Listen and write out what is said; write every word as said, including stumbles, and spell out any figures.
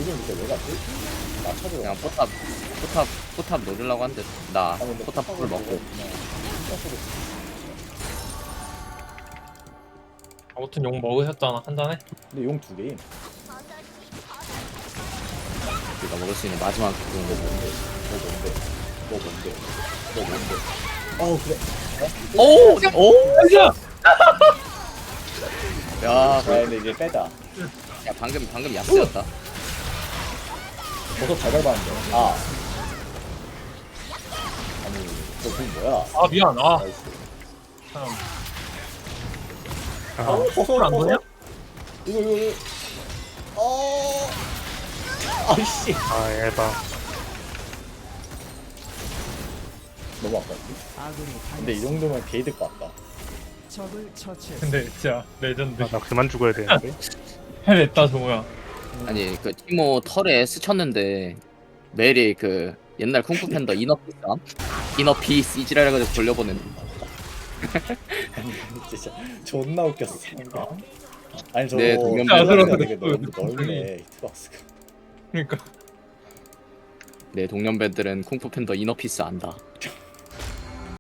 지금 이제 왜 갔지? 나 찾으러 그냥 포탑 포탑 포탑 노리려고 하는데 나 포탑 풀 먹고 아무튼 욕 먹으셨잖아 한 잔에. 근데 용 두 개임. 우리가 먹을 수 있는 마지막 너 그건 뭔데? 너 뭔데? 너 뭔데? 너 뭔데? 어 그래. 오! 오! 야, 아 근데 이게 빼다. 야 방금 방금 야스였다. 버섯 잘 밟았는데. 아. 아니 너그 뭐야? 아 미안. 아 나이스. 참. 아, 어, 버섯을 안 보냐? 이거 이거 이거. 어. 아이씨. 아 에바. 너무 아깝지? 근데 이 정도면 게이드 같다. 근데 진짜 레전드. 아, 나 그만 죽어야 되는데. 해냈다 종우야. 아니 그 티모 털에 스쳤는데 메리 그 옛날 쿵푸 팬더 이너피스 이너피스 이지랄해가지고 돌려보낸. 아니 진짜 존나 웃겼어. 아니 저 네, 동년 야, 들어, 되게 들어. 넓- 넓네 히트박스가. 그러니까 내 동년배들은 쿵푸 팬더 이너피스 안다.